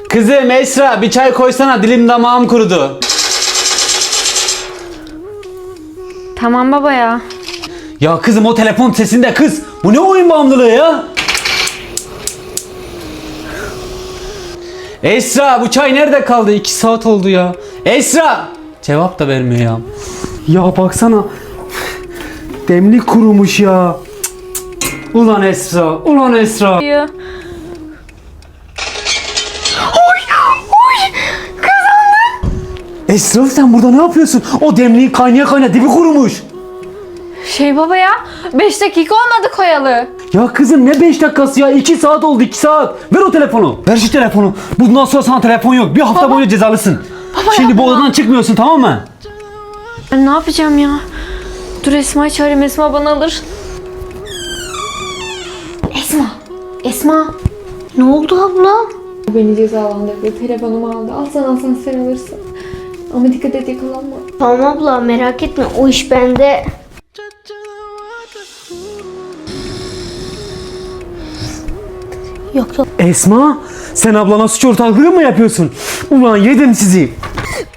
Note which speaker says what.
Speaker 1: Kızım Esra bir çay koysana, dilim damağım kurudu.
Speaker 2: Tamam baba ya.
Speaker 1: Ya kızım o telefon sesinde kız. Bu ne oyun bağımlılığı ya? Esra bu çay nerede kaldı? 2 saat oldu ya. Esra! Cevap da vermiyor ya. Ya baksana. Demlik kurumuş ya. Ulan Esra, ulan Esra. Esra sen burada ne yapıyorsun? O demliğin kaynaya kaynaya dibi kurumuş.
Speaker 2: Baba ya 5 dakika olmadı koyalı.
Speaker 1: Ya kızım ne 5 dakikası ya? 2 saat oldu, 2 saat. Ver o telefonu. Ver şu telefonu. Bundan sonra sana telefon yok. Bir hafta boyunca cezalısın. Şimdi bu odadan çıkmıyorsun, tamam mı?
Speaker 2: Ben ne yapacağım ya? Dur Esma'yı çağırayım, Esma bana alır. Esma.
Speaker 3: Ne oldu abla?
Speaker 2: Beni cezalandırdı. Telefonumu aldı. Alsan sen alırsın. Ama dikkat et yakalanma.
Speaker 3: Tamam abla merak etme o iş bende. Yok.
Speaker 1: Esma, sen ablana suç ortaklığı mı yapıyorsun? Ulan yedim sizi.